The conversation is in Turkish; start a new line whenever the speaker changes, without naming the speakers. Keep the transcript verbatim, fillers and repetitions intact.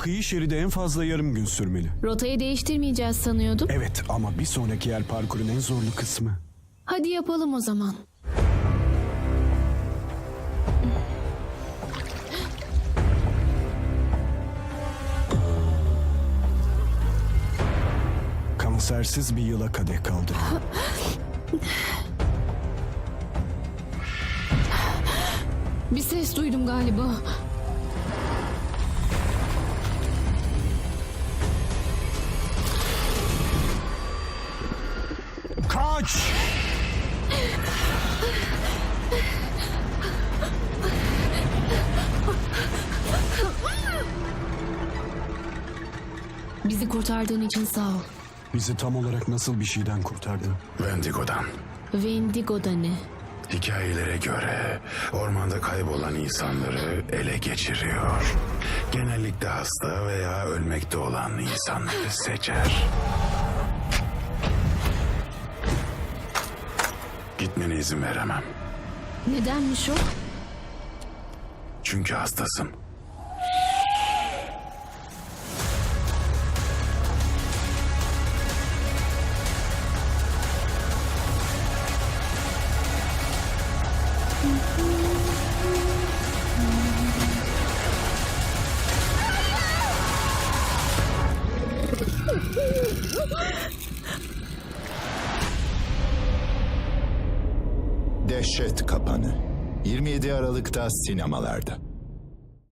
kıyı şeridi en fazla yarım gün sürmeli.
Rotayı değiştirmeyeceğiz sanıyordum.
Evet ama bir sonraki yer parkurun en zorlu kısmı.
Hadi yapalım o zaman.
Kansersiz bir yıla kadeh kaldı.
Bir ses duydum galiba.
Kaç!
Bizi kurtardığın için sağ ol.
Bizi tam olarak nasıl bir şeyden kurtardın?
Wendigo'dan.
Wendigo'da ne?
Hikayelere göre ormanda kaybolan insanları ele geçiriyor. Genellikle hasta veya ölmekte olan insanları seçer. Gitmene izin veremem.
Nedenmiş o?
Çünkü hastasın.
Dehşet Kapanı yirmi yedi Aralık'ta sinemalarda.